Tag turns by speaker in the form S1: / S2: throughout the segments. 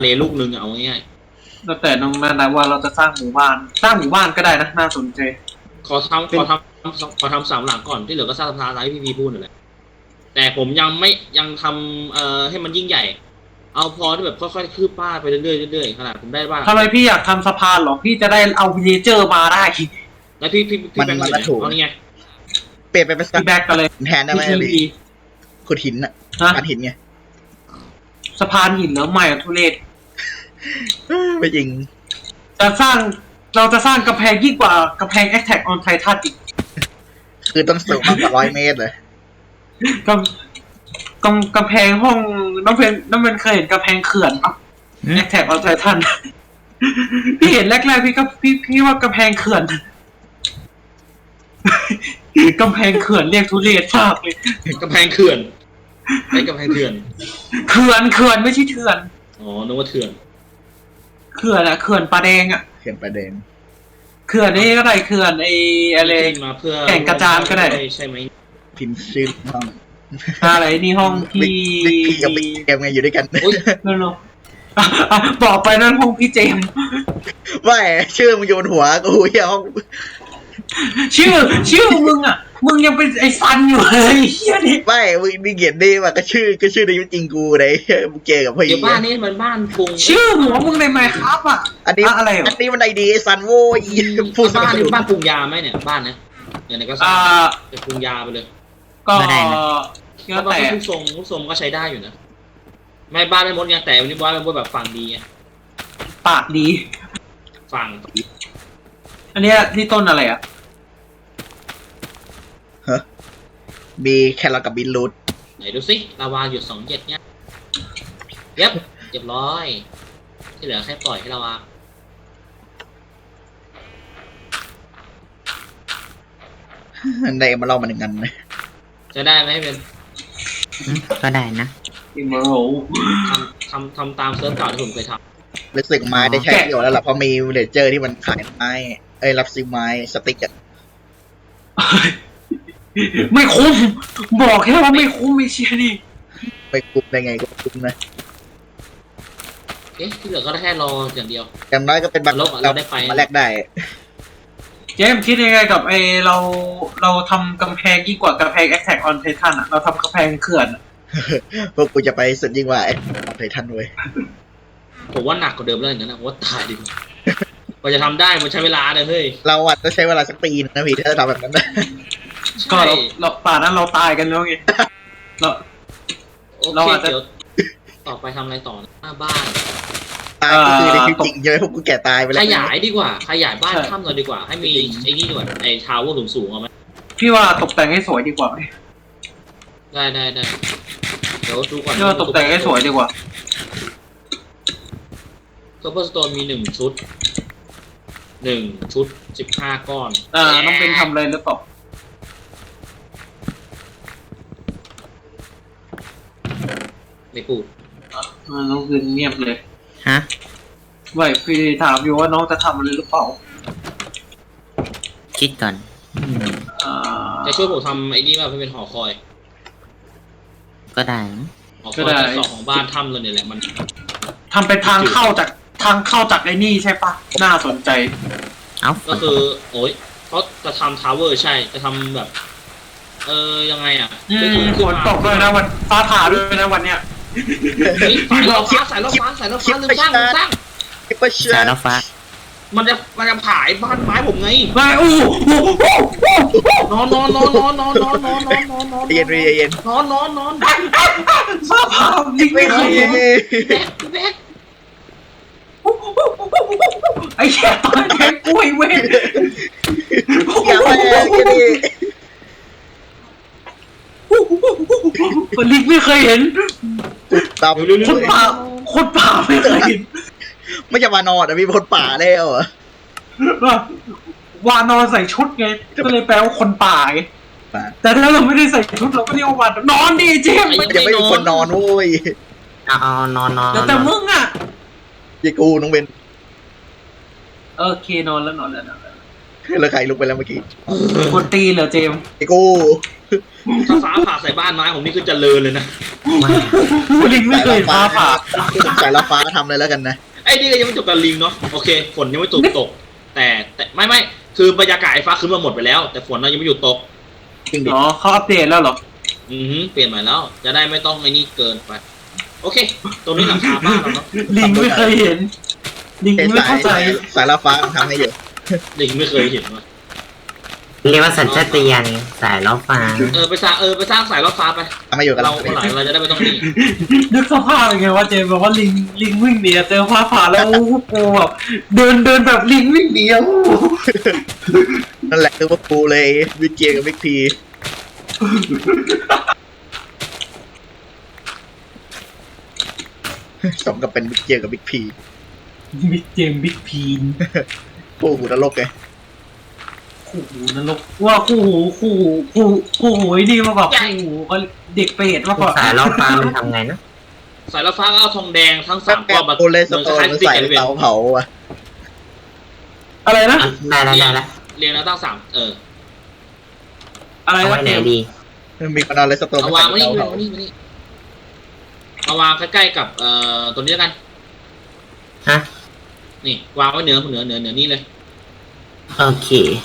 S1: เลลูกนึงเอาง่าย
S2: แล้วแต่น้องนะว่าเราจะสร้างหมู่บ้านก็ได้นะน่าสนใจ
S1: ๆขอทำ3 หลังก่อนที่เหลือก็สร้างสะพานอะไรที่พี่พูดนั่นแหละแต่ผมยังทำให้มันยิ่งใหญ่เอาพอที่แบบค่อยๆคืบป้าไปเรื่อยๆขนาดผมได้บ้าน
S2: ทำไมพี่อยากทำสะพานหรอพี่จะได้เอาวิลเลเจอร์มาได้
S1: แล้วพี่แบงค์เนี่ยเอานี่ไง
S3: เปลี่ยนไปเป็น
S2: พี่แบกกันเลย
S3: แทนได้ไหมพี่ขุดหินอะขุดหินไง
S2: สะพานหินแล้วใหม่ทุเรศ
S3: ไม่จริง
S2: เราจะสร้างกำแพงยิ่งกว่ากำแพง Attack on Titan อีก
S3: คือต้องสูงมากกว่า100 เมตรเลย
S2: กำแพงห้องน้องเป็นเคยเห็นกำแพงเขื่อนปะ Attack on Titan พี่เห็นแรกๆพี่ว่ากำแพงเขื่อนกำแพงเขื่อนเรียกทุเรศมากเลย
S1: กำแพงเขื่อนไอ้กำแพงเขื่อน
S2: เขื่อนไม่ใช่เถื่อน
S1: อ๋อนึกว่าเถื่อน
S2: เขื่อนอะเขื่อนปลาแดงอะ
S3: เขื่อนปลาแดง
S2: เขื่อนนี่ก็ได้เขื่อนไอ้อะไร
S1: มาเพื่อ
S2: แก่งกระจานก็ได้
S1: ใช่ไหม
S3: พิมพ์ชื่อห้อง
S2: อะไรนี่ห้องพี่
S3: กับพี่เกมไงอยู่ด้วยกัน
S2: นั่นหรอบอกไปนั่นห้องพี่เจม
S3: ไม่ชื่อมึงโยนหัวกูเหี้ยห้อง
S2: ชื่อมึงอ่ะมึงยังเป็นไอ้ซันอยู่เลยเฮียนี่
S3: ไม่มึงนี่เกียดดีว่ะก็ชื่อในยุคจริงกูเลยมึงเจอกับพี่
S1: เดี๋ยวบ้านนี้มันบ้านกรุง
S2: ชื่อหัวมึงในไมค์ครับอ่ะ
S3: อันนี้
S2: อะไร
S3: อันนี้มันไอดีไอซันโว้ย
S1: พูดบ้านนี้บ้านกรุงยาไหมเนี่ยบ้านนะอย่างไหนก็สร้างเป็นกรุงยาไปเลย
S2: ก็
S1: แต่ลูกทรงก็ใช้ได้อยู่นะไม่บ้านไม่มดยังแต่วันนี้บ้านไม่มดแบบฝั่งดีไง
S2: ปากดี
S1: ฝั่ง
S2: อันนี้ที่ต้นอะไรอ่ะ
S3: มีแครอทกับบีทรูท
S1: ไหนดูสิลาวาอยู่27เนี่ยเรียบร้อยที่เหลือแค่ปล่อยให้ลาวา
S3: ได้มาเล่ามาหนึ่งกันเลย
S1: จะได้ไหมเป็น
S4: ก็ได้นะ
S2: อิมเมอร์โห
S1: ทำตามเซิร์ฟเก่าที่ผมเคยท
S3: ำรู้สึกไม้ได้ใช้ประโยชน์แล้วล่ะเพราะมีวิลเลเจอร์ที่มันขายไม้รับซื้อไม้สติ๊กอะ
S2: ไม่คุ้มบอกแค่ว่าไม่คุ้มไม่เชียนี่
S3: ไม่คุ้มได้ไงก็คุ้มนะ
S1: ที่เหลือก็ได้แค่รออย่างเดียว
S3: อย่างน้อยก็เป็นบัตร
S1: เราได้ไป
S3: มาแลกได้
S2: เจมคิดยังไงกับเราทำกำแพงยิ่งกว่ากำแพง Attack on Titan อ่ะเราทำกำแพงเขื่อน
S3: พวกกูจะไปสุดยิ่งกว่าไททันด้วย
S1: ผมว่าหนักกว่าเดิมแล้วอย่างนั้นนะว่าตายดิกว่าจะทำได้มันใช้เวลาเลยเฮ้ย
S3: เราอาจจะใช้เวลาสักปีนะพี่ถ้าจะทำแบบนั้นนะ
S2: ก็เราป่านั้นเราตายกันแล้วไง
S1: เราอาจจะต่อไปทำอะไรต่อหน้าบ้าน
S3: ตายก็คือในชีวิตจริงเลยพวกกูแก่ตายไปแล้ว
S1: ขยายดีกว่าขยายบ้านถ้ำหน่อยดีกว่าให้มีไอ้นี่ดีกว่าไอ้ทาวเวอร์สูงๆเอาไหม
S2: พี่ว่าตกแต่งให้สวยดีกว่า
S1: ได้เดี๋ยวดูก่อน
S2: พี่ว่าตกแต่งให้สวยดีกว่า
S1: ซูเปอร์สโตนมี1 ชุด15 ก้อน
S2: น้องเป็นทำอะไรหรือเปล่า
S1: ไม่พูด
S2: น้องเป็นเงียบเลย
S4: ฮะ
S2: ไม่พี่ถามอยู่ว่าน้องจะทำอะไรหรือเปล่า
S4: คิดก่อน
S1: จะช่วยผมทำไอ้นี่ว่าเป็นหอคอย
S4: ก็ได้
S1: หอคอยที่2ของบ้านถ้ำเลยเนี่ยแหละมัน
S2: ทำเป็นทางเข้าจากไอ้นี่ใช่ปะน่าสนใจ
S1: ก็คือโอ้ยเขาจะทำทาวเวอร์ใช่จะทำแบบยังไงอ่ะ
S2: ฝนตกด้วยนะวันฟ้าผ่าด้วยนะวันเนี้ย
S1: สายรถฟ้าลืมสร้าง
S4: สายรถฟ้า
S1: มันจะผ่ายบ้านไม้ผมไง
S2: ไม่
S1: นอน
S3: เย็น
S1: นอน
S2: ฟ้าผ่าไม่เคย
S1: แบก
S2: ไอ้แค่ตอนแค่กล้วยเว้ย
S3: อย่าไปดิ
S2: คนลิกไม่เคยเห็นคนป่าไม่เคยเห็น
S3: ไม่จะมานอนมีคนป่าแล้วอ่ะ
S2: วานอนใส่ชุดไงก็เลยแปลว่าคนป่าไงแต่ถ้าเราไม่ได้ใส่ชุดเราก็เรียกว่าวานนอนดิเจมส์
S3: ยังไม่มีคนนอนโว้ย
S4: นอน
S2: แต่มึงอ่ะ
S3: ยี่กูน้องเบน
S2: โอเคนอนแล้ว
S3: แล้วใครลุกไปแล้วเมื่อกี้
S2: คนตีเหรอเจมส์
S3: ยี่กู
S1: ถ้าฟ้าผ่าใส่บ้านไม้ผมนี่คือเจริญเลยนะ
S2: ลิงไม่เคยฟ้าผ่า
S3: สายละฟ้าทำเลยแล้วกันนะ
S1: ไอ้นี่ก็ยังไม่จบกับลิงเนาะโอเคฝนยังไม่ตกแต่ไม่คือบรรยากาศไอ้ฟ้าคืนมาหมดไปแล้ว แต่ฝนเรายังไม่หยุดตก
S3: จริงดิ
S2: อ๋อเขาอัปเดตแล้วเหรอ
S1: เปลี่ยนใหม่แล้ว จะได้ไม่ต้องไอ้นี่เกินไป โอเค ตรงนี้หลังคาบ้านเราเนาะ
S2: ลิงไม่เคยเห็น ลิงไม่เข้าใจ
S3: สายละฟ้าทำให้อยู่
S1: ลิงไม่เคยเห็นว่ะ
S4: เรียกว่าสัญชาตญาณสายล้อฟ้า
S1: ไปสร้างสายรถฟ้าไป
S3: ทำให้อยู่กัน
S1: เราเมื่อไหร่เราจะได้ไม่ต้องนี่
S2: นึกสภาพยังไงว่าเจมบอกว่าลิงวิ่งหนีเจอฟ้าผ่าแล้วโอ้โหกูแบบเดินแบบลิงวิ่งหนีอ่ะ
S3: นั่นแหละคือว่าปูเลยวิกเกียกับวิกพีสมกับเป็นวิกเกียกับวิกพี
S2: บิ๊กเจมบิ๊กพีน
S3: คู่หูนรกไง
S2: คู่หูนรกว่าคู่หูไอ้นี่มาแบบคู่หูก็เด็กเปรตมากกว่า
S4: สายล้อฟ้ามันทำไงนะ
S1: สายรถฟ้าก็เอาทองแดงทั้ง
S3: สั
S1: สาก ม
S3: แก
S1: ก้อนมา
S3: โอเลสโตน
S1: คล้าย
S3: มัน
S1: ๆ
S3: ใส่
S1: ติ๊ก
S3: เตาเผาอ่ะ
S2: อะไรนะ
S4: ได้แล้วได้แล้ว
S1: เรียงแล้วตั้งสาม
S2: อะไร
S4: เอา
S2: นะ
S4: ไว้ไหนดี
S3: มีคนเอาเลสโตน
S1: เอา
S3: มาใส่
S1: วางไว้
S3: เตา
S1: นี่
S3: เผา
S1: เอาวางใกล้ๆกับตัวนี้แล้วกัน
S4: ฮะ
S1: นี่วางไว้เหนือนี่เลย
S4: โอเค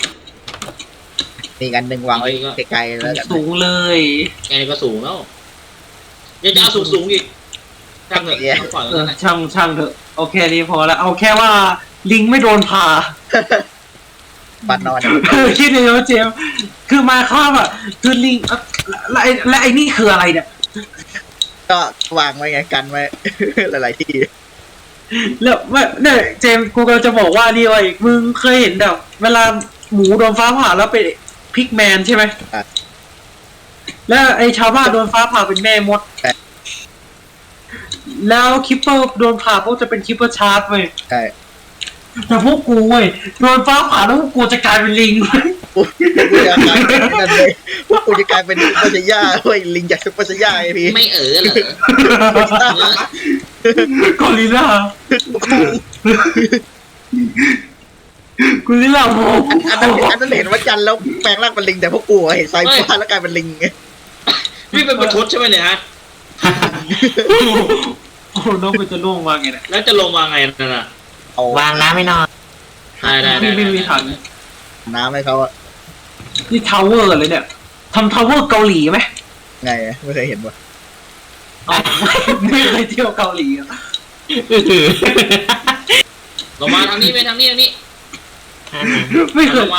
S3: มีกันหนึ่งวางไว้ไกลๆแล้วกัน
S2: สูงเลย
S1: แกนี่ก็สูงแล้วยังจะเอาสูงอีกช่างเถอะต้องปล่อยไว้นั่นแหละ
S2: ช่างเถอะโอเคดีพอแล้วเอาแค่ว่าลิงไม่โดนผ่า
S3: บ้านนอน
S2: คิดเลยว่าเจมส์คือมาครอบอ่ะคือลิงและไอ้นี่คืออะไรเนี่ย
S3: ก็วางไว้ไงกันไว้ หลายๆที่
S2: แล้วเนี่ยเจมส์กูกำลังจะบอกว่านี่ไว้มึงเคยเห็นแบบเวลาหมูโดนฟ้าผ่าแล้วเป็นพิกแมนใช่ไหมแล้วไอ้ชาวบ้านโดนฟ้าผ่าเป็นแม่มด แล้วคิปเปอร์โดนผ่าพวกจะเป็นคิปเปอร์ชาร์จเว้ย
S3: ใช่
S2: แต่พวกกูเว้ยโดนฟ้าผ่าแล้วพวกกูจะกลายเป็นลิง
S3: กูจะกลายเป็นนั่นเลยพวกกูจะกลายเป็นซุปเปอร์ชายาเว้ยลิงจากซุปเปอร์ชายาไอพี่
S1: ไม่เหรอ
S2: กอริลลา กูนี่แหละโม
S3: อันนั้นเห็นว่าจันแล้วแปลงร่างเป็นลิงแต่พวกกูเห็นไซฟ้าแล้วกลายเป็นลิงไง
S1: พี่เป็นประชดใช่ไหมเนี่ยฮะ
S2: โอ้น้องมันจะล่วงมาไงเนี่ย
S1: แล้วจะลงมาไงนั่นน่ะ
S3: เอา
S4: วางน้ำไม่นอน
S1: ได้
S2: ไม่มีถัง
S3: น้ำให้เขาอะ
S2: นี่ทาวเวอร์เลยเนี่ยทำทาวเวอร์เกาหลีไหม
S3: ไงไม่เคยเห็นว่ะ
S2: อ๋อไม่เคยเที่ยวเกาหลีอะ
S1: ลงมาทางนี้ไปทางนี้
S2: ไม่เค
S1: ล
S2: ย
S1: งมา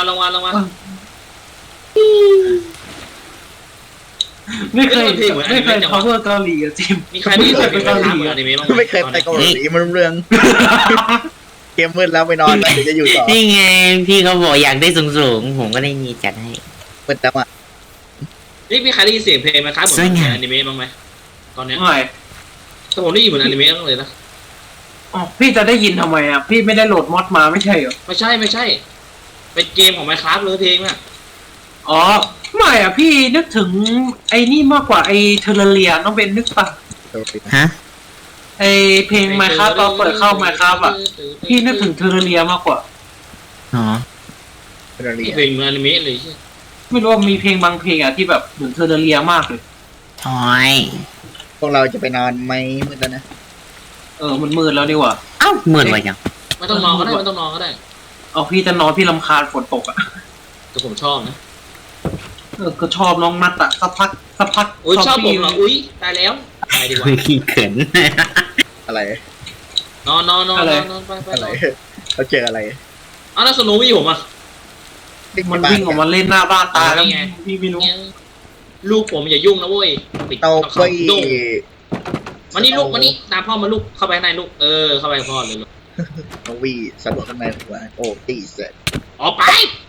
S2: ไม่เคยทาวเวอร์เกาหลีอะจิม
S1: มีใครได้ยินเสียงเพลงคาเหมือนอนิเมะบ้างไหม
S3: ไม่เคยไปเกาหลีมันเรื่องเกมมืดแล้วไปนอนแล้วเดี๋ยวจะอยู่ต่อ
S4: นี่ไงพี่เขาบอกอยากได้สูงๆผมก็ได้มีจัดให้
S3: มืดแล้วอ่ะ
S1: นี่มีใครได้ยินเสียงเพลงไหมครับเหมือนอนิเมะบ้างไหมตอนเนี้ย
S2: ไม่
S1: แต่ผมได้ยินเหมือนอนิเมะเลยนะ
S2: อ๋อพี่จะได้ยินทำไมอ่ะพี่ไม่ได้โหลดมอดมาไม่ใช่เหรอ
S1: ไม่ใช่เป็นเกมของ Minecraft เลยเพลงน่ะ
S2: อ๋อไม่อ่ะพี่นึกถึงไอ้นี่มากกว่าไอ้เทอร์เรียน้องเบนนึกปะ
S4: ฮะ
S2: ไอ้เพลงไมครับตอนเปิดเข้าไมครับอ่ะพี่นึกถึงเทอร์เรียมากกว่า
S4: อ๋อ
S1: นี่เพลงเหมือนอนิเมะเลยใช่
S2: ไม่รู้ว่ามีเพลงบางเพลงอ่ะที่แบบเหมือนเทอร์เรียมากเลย
S4: ทอย
S3: พวกเราจะไปนอนไหมมืดแล้วนะ
S2: มันมืดแล้วนี่หว่า
S4: เอ้าเหมือนไว้ยัง
S1: ไม่ต้องนอนก็ได้
S2: เอาพี่จะนอนพี่รำคาญฝนตกอ่ะ
S1: แต่ผมชอบนะ
S2: ก็ชอบน้องนัดอ่ะสักพัก
S1: อุ้ยชอบผม
S2: พี่
S1: เหรออุ้ยตายแล้วตายดีกว่า
S4: ขี้เขิน
S3: อะไร
S1: นอนไป
S3: อะไรเขาเจออะไร
S1: เอาแล้วสโนวี่ผมอ่ะ
S2: มันวิ่งออกมาเล่นหน้าบ้านตายแล้ว
S1: นี่ไง
S2: พี่ไม่รู้
S1: ลูกผมอย่ายุ่งนะเว้ยปิด
S3: เตา
S1: เขา
S3: ไฟ
S1: โด่งมานี่ลูกมานี่ตามพ่อมาลูกเข้าไปข้างในลูกเข้าไปพ่อเลยลูก
S3: น้องวีสะดวกข้างในหัวโอ้ตีเสร็จ
S1: ออกไป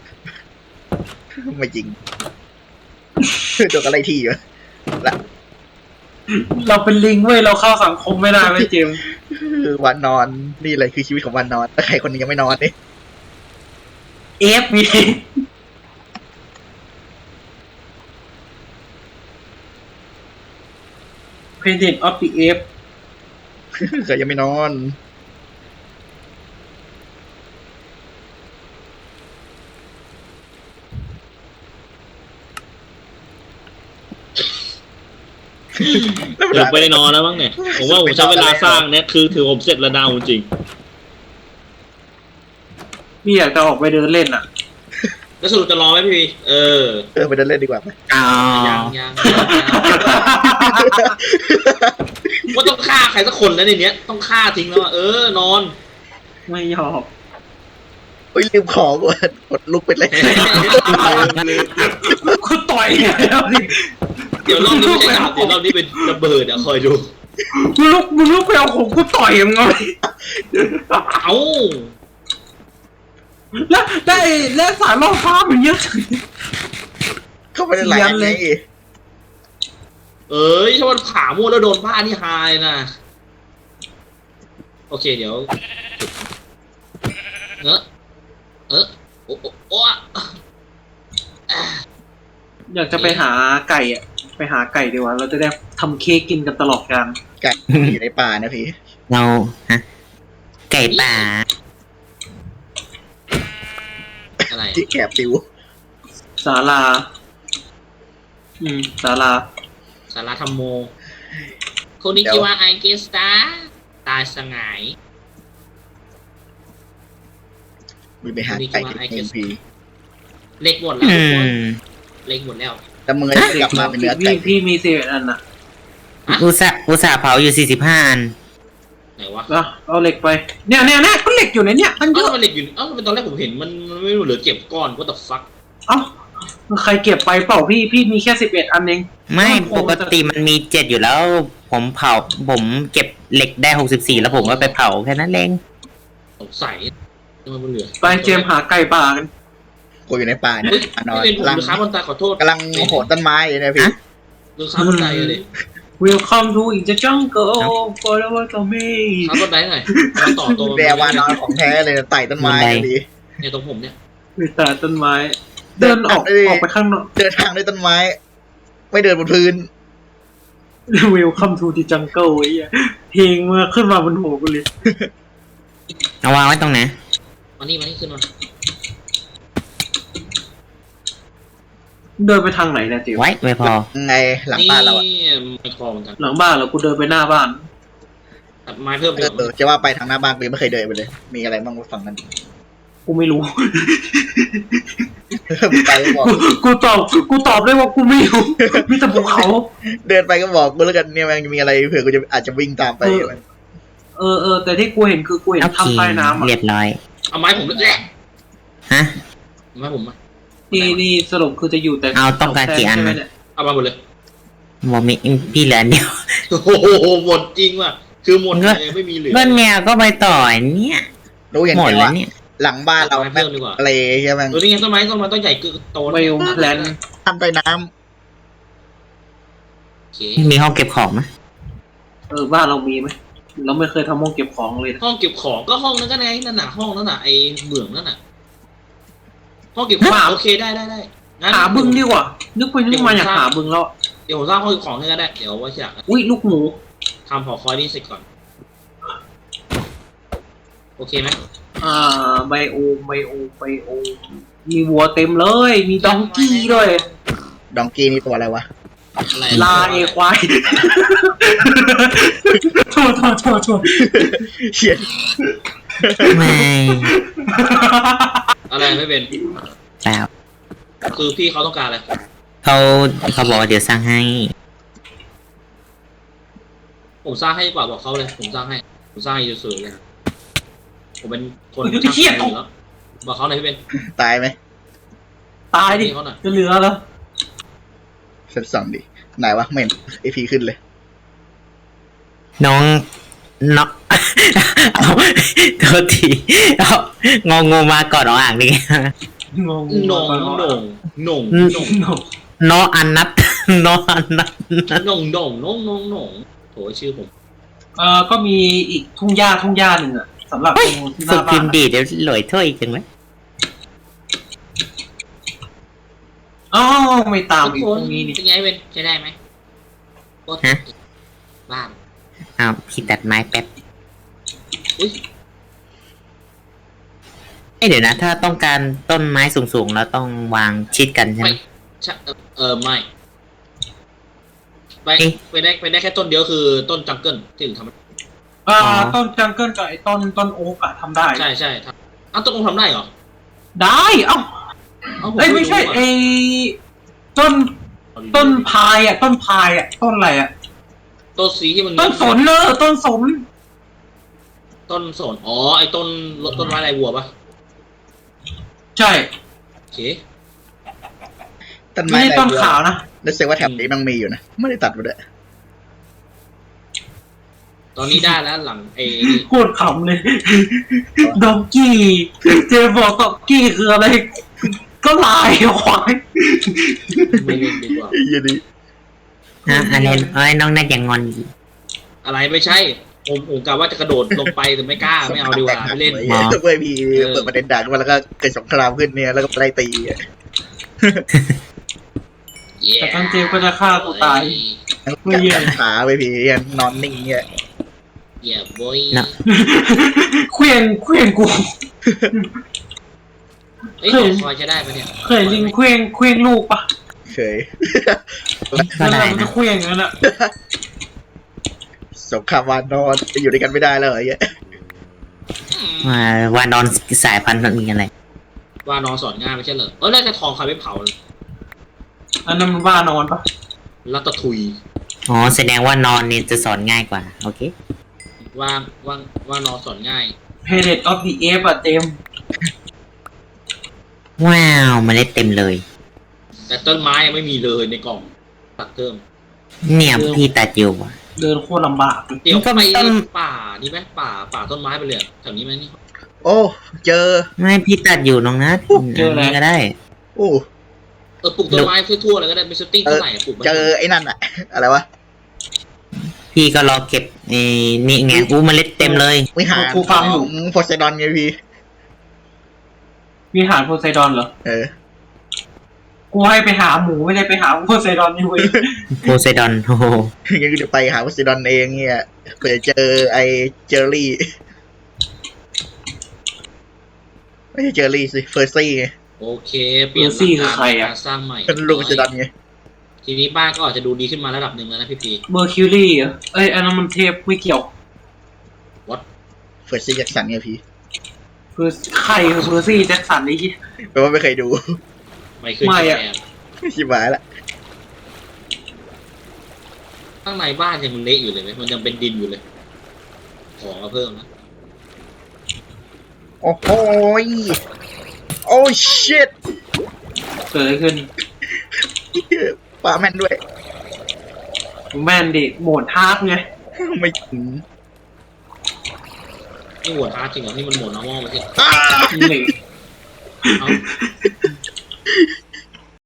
S3: ไม่จริงโดนอะไรที่อยู่ละ
S2: เราเป็นลิงเว้ยเราเข้าสังคมไม่ได้เว้ยเจมส์
S3: คือวันนอนนี่เลยคือชีวิตของวันนอนถ้าใครคนหนึงยังไม่นอนนี่
S2: เอฟมีเพนเดนออฟดีเอฟ
S3: เคยยังไม่นอน
S1: เดี๋ยวไปได้นอนแล้วมั้งเนี่ยผมว่าผมใช้เวลาสร้างเนี่ยคือถือผมเสร็จระดาวจริง
S2: พี่อยากจะออกไปเดินเล่นอ่ะ
S1: แล้วสรุปจะรอไหมพี่
S3: ไปเดินเล่นดีกว่าไหม
S4: อ๋อ
S1: ยังว่าต้องฆ่าใครสักคนแล้วในเนี้ยต้องฆ่าทิ้งแล้วนอน
S2: ไม่ยอม
S3: เฮ้ยลืมของว่ะกดลุกไปเลย
S2: กูต่อยแล้วนี่
S1: เดี๋ยวรอบนี้ไม่ใช่ดาบเดี๋ยวรอบนี้เป็นระเบิดคอยดู
S2: มึงลุกไปเอาของกูต่อยมึงไง
S1: เอ้า
S2: แล้วสายล่อฟ้ามันเยอะจัง
S3: เข้าไปในหลายอันเลย
S1: ถ้ามันผ่ามั่วแล้วโดนบ้านี่ฮาเลยนะโอเคเดี๋ยวโอ้
S2: อยากจะไปหาไก่อ่ะไปหาไก่ดีกว่าเราจะได้ทำเค้กกินกันตลอดกาล
S3: ไก่อยู่ในป่านะพี่
S4: เราฮะไก่ป่า
S1: อะไร
S3: ที่แกบปิว
S2: ศาลาศาลา
S1: สาราธรรมโมคนนี้ชื่อว่าไอเกสตาตายสงาย
S3: มีไปหาไก่ที่พี
S1: เล็กหมดแล้วทุกคนเล็กหมดแล้ว
S3: แต่มึงจะกลับมาเป็นเนื้อไก่
S2: พี่มีเศษอันน่ะ
S4: อุตส่าห์เผาอยู่45 อัน
S1: ไหนวะ
S2: เอาเหล็กไปเนี่ยก็เหล็กอยู่ในเนี่ยมันเยอะ
S1: มันเหล็กอยู่ตอนแรกผมเห็นมันไม่รู้เหลือเก็บก้อนก็ตัดฟัก
S2: เอ้าใครเก็บไปเปล่าพี่มีแค่11 อันเอง
S4: ไม่ปกติมันมี7อยู่แล้ว ผมเก็บเหล็กได้64แล้วผมก็ไปเผาแค่นั้นเอง
S1: สงสัยมันเหลือ
S2: ไปเจมหาไก่ป่ากัน
S3: กูอยู่ในป่าเนี่ยนอน
S1: ไม่เป็นผมหรือค้าบนตาขอโทษ
S3: กำลังโหนต้นไม้อยู่นะพี่
S1: หรือค้าบนไดเลย
S2: Welcome to the jungle forever to me
S1: ค้าบนไดหน่อยต่อตัว
S3: แดวานอนของแท้เลยไต่ต้นไม้ดี
S1: เนี่ยตรงผมเนี่ย
S2: มีแต่ต้นไม้เดินออกไปข้างนอก
S3: เดินทางด้วยต้นไม้ ไม่เดินบนพื้น
S2: Welcome to the jungle ไอ้เหี้ยเพลงมาขึ้นมาบนหัวกูเลย
S4: เอาวางไว้ตรงไหน
S1: มานี่ขึ้นมา
S2: เดินไปทางไหนเนี่ยจิ๋ว
S4: ไว้ไม่พอ
S3: ไงหลังบ้านเราอะ
S1: ไม่พอเหมือนกัน
S2: หลังบ้านเหรากูเดินไปหน้าบ้าน
S1: ตัดไม้เพิ่มดีกว่า
S3: จะว่าไปทางหน้าบ้านกูไม่เคยเดินไปเลย มีอะไรบ้างฝั่งนั้น
S2: กูไม่รู้
S3: ไปก็บอก
S2: กูตอบได้ว่ากูไม่รู้มีแต่ภูเขา
S3: เดินไปก็บอกกูแล้วกันเนี่ยมันมีอะไรเผื่อกูจะอาจจะวิ่งตามไป
S2: แต่ที่กูเห็นคือกูเห็น
S4: โอเค
S2: ถ้ำใต้น้ำอ่ะ
S4: เรียบร้อย
S1: เอาไม้ผมด้วยแหละ
S4: ฮะ
S1: ไม้ผมมา
S2: นี่สรุปคือจะอยู่แต่
S4: เอาต้องการกี่อันนะ
S2: ใช่ไหมเนี่ย
S1: เอามาหมดเลย
S4: บอกมีพี่เหลืออันเดียว
S1: โอ้โหหมดจริงว่ะคือหมดเลยไม่มีเหลือ
S4: ก็เนี่ยก็ไปต่อเนี่ย
S3: รู้อย่าง
S4: หมด
S3: เดียว
S4: แล้ว
S3: ว่า
S4: เนี่ย
S3: หลังบ้านเรา
S1: ไม้เพิ่มดีกว่า
S3: อะไรใช่ไหม
S1: นี่ไงต้นไม้ต้องใหญ่คือโต
S2: ไบโอแพลน
S3: ทำใต้น้
S1: โอเค
S4: มีห้องเก็บของไหม
S2: บ้านเรามีไหมเราไม่เคยทำห้องเก็บของเลยนะ
S1: ห้องเก็บของก็ห้องนั้นก็ไงนั่นน่ะห้องนั้นน่ะไอ้เบื้องนั่นน่ะห้องเก็บของโอเคได้งั้น
S2: หาบึงดีกว่านึกไปนึกมาอยากหาบึงแล้ว
S1: เดี๋ยวผมสร้างห้องเก็บของให้ก็ได้เดี๋ยวว่าจะ
S2: อุ้ยลูกหมู
S1: ทำหอคอยนี่เสร็จก่อนโอเคไหม
S2: ไบโอมีวัวเต็มเลยมีดองกี้ด้วย
S3: ำดองกี้นี่ตัวอะไรวะ
S1: อะไร
S2: ลาเอควายโทษ
S3: เขียน
S4: ไม่
S1: อะไรไม่เป็น
S4: แล้ว
S1: คือพี่เขาต้องการอะไร
S4: เขาบอกว่าเดี๋ยวสร้างให้
S1: ผมสร้างให้ดีกว่าบอกเขาเลยผมสร้างให้สวยๆเลยผมเป็นคน
S2: เฮีย
S1: ช่างแล้วบอกเขาหน่อยพี่เป็น
S3: ตายไหม
S2: ตายดิ
S1: เขาหน่อย
S2: จะเหลือแล้ว
S3: เซตสองดิไหนวะไม่เห็นไอพีขึ้นเลย
S4: น้องเอาโทษทีเอางองูมาก่อนน้องอ่างดิ
S1: หน่ง
S4: น้องอันนัดน้องอันนัด
S1: หน่งโถชื่อผม
S2: ก็มีอีกทุ่งหญ้าหนึ่งอ่ะสำหรับตรงที่ห
S4: ฝึ
S2: น้าก บ้า
S4: พิ
S2: น
S4: มพ์ดีเดี๋ยวหลอยถ้วยอีกจังไหม
S2: อ๋อไม่ตามอีก
S1: ทุก
S2: ตรงนี้นี่
S1: เป็นไงเป็นใช้ได้ไหมบ้าน
S4: อ้าวพี่ตัดไม้แป๊บ
S1: อุ้ย
S4: เดี๋ยวนะ ถ้าต้องการต้นไม้สูงๆแล้วต้องวางชิดกันใช่ไหม
S1: ไม่ไม่ไปได้แค่ต้นเดียวคือต้นจังเกิลที่ถึงทำ
S2: ต้นจังเกิลกับไอ้ต้นโอ๊กอะทำได้
S1: ใช่ต้นองทำได้เหรอ
S2: ได้เอ้า
S1: ผม
S2: เอ้ยไม่ใช่
S1: รู้อะ
S2: ไอ้ต้นพายอะต้นพายอะต้นอะไรอะ
S1: ต้นสีที่มัน
S2: ต้นสนเนอะต้นสน
S1: ต้นสนอ๋อไอ้ต้นไม้ลายวัวปะ
S2: ใช่
S1: โอเค
S3: ต้น
S2: ไม่
S3: ไม้
S2: ใช่
S3: อะไร
S2: ต้น
S3: วัว
S2: ขาวนะ
S3: รู้สึกว่าแถบนี้มันมีอยู่นะไม่ได้ตัดมาด้วย
S1: ตอนนี้ได้แล้วหลังไอ้
S2: โคตรขำเลยดองกี้เจบอกดองกี้คืออะไร ก็ลายควาย
S1: ไม่เล่นดีกว่า
S3: ไอ้เหี้ยนี่
S4: อันนี้น้องน่าจะงอนอยู่
S1: อะไรไม่ใช่ผมกะว่าจะกระโดดลงไปแต่ไม่กล้าไม่เอาดีกว่าไม่เล่น
S3: เว้ยพี่เปิดประเด็นด่าขึ้นมาแล้วก็เกิดสงครามขึ้นเนี่ยแล้วก็ไล่ตีอะ
S2: แต่ตอนเจมก็จะฆ่าตัวตาย ไม่เหี้ย
S3: ขาไปพี่ยังนอนนิ่งเนี่ย
S1: เหี้ยบอย
S2: เควียงกู
S1: เอ้ยคอยจะได้ปะเนี่ย
S2: เคยลิงเควียงลูกปะ
S3: เคย
S4: ก็ได้
S2: มัน
S4: นะ
S2: จะเควียงงั้นอะ
S3: สงครามวานนอนจะอยู่ด้วยกันไม่ได้แล้วเหรอเนี่ย
S4: ว่านอนสายพันธุ์มันมีอะไร
S1: ว่านอนสอนง่ายไม่ใช่เหรอแล้วจะทองใครไปเผา
S2: อันนั้นมันบ้านอนปะ
S1: รัตทุย
S4: อ๋อแสดงว่านอนนี่จะสอนง่ายกว่า โอเค
S1: ว่านอนสอนง่าย
S2: Planet of the Apes อะเจม
S4: ว้าวเมล็ดเต็มเลย
S1: แต่ต้นไม้ยังไม่มีเลยในกล่องตัดเติม
S4: เนี่ยพี่ตาจิวอ่ะ
S2: เดินโคตรลำบากเลย
S1: เดี๋ยว
S4: มันก็
S1: ไป
S4: ต้น
S1: ป่านี่ไหมป่าต้นไม้ไปเลยแถวนี้ไหมนี่
S3: โอ้เจอ
S4: ไม่พี่ตัดอยู่น้องนัทอันนี้ก็ได้
S3: โอ้
S1: ปลูกต้นไม้ทั่วๆเลยก็ได้ไม่เซตติ้งเท่าไหร่ปลูก
S3: เจอไอ้นั่นอะอะไรวะ
S4: พี่ก็รอเก็บนี่ไงเมล็ดเต็มเลย
S3: วิหารของโพไซดอนไงพี่
S2: วิหารโพไซดอนเหรอ กูให้ไปหาหมูไม่ได้ไปหาโพไซดอนนี่เว้ย
S4: โพไซดอนโอ้โห
S3: งั้นก็จะไปหาโพไซดอนเองเนี่ยเผื่อเจอไอ้เจอรี่ไม่ใช่เจอรี่สิเฟอร์ซี่ไง
S1: โอเคเปลี่ยนการสร้างใหม่
S3: เป็นลูกโพไซดอนไง
S1: ทีนี้บ้านก็อาจจะดูดีขึ้นมาระดับหนึ่งแล้วนะพี่
S2: เมอร์คิวรี่เหรอเอ้ยอันนั้นมันเทพไม่เกี่ยว
S3: เฟอร์ซี่แจ็คสันไงพี่
S2: คือใครคือเพอร์ซี่แจ็คสันนี่
S3: แปลว่าไม่เคยดู
S1: ไม่ขึ้น
S2: ไม่อะ
S1: แอบ
S3: ชิบหายละ
S1: ข้างในบ้านยังเละอยู่เลยไหมมันยังเป็นดินอยู่เลย ของมาเพิ่มนะ
S3: โอ้โหยโอ้ชิต
S2: เกิดอะไรขึ้น
S3: ปลาแม่นด้วย
S2: แมนดิโหมดฮาร์ดไง
S3: ไม่ถึง
S1: นี่โหวตฮาร์ดจริงเหรอนี่มันโหมดน้ำมอไม่ใช่
S3: อ้า
S2: นี่
S1: เอ้า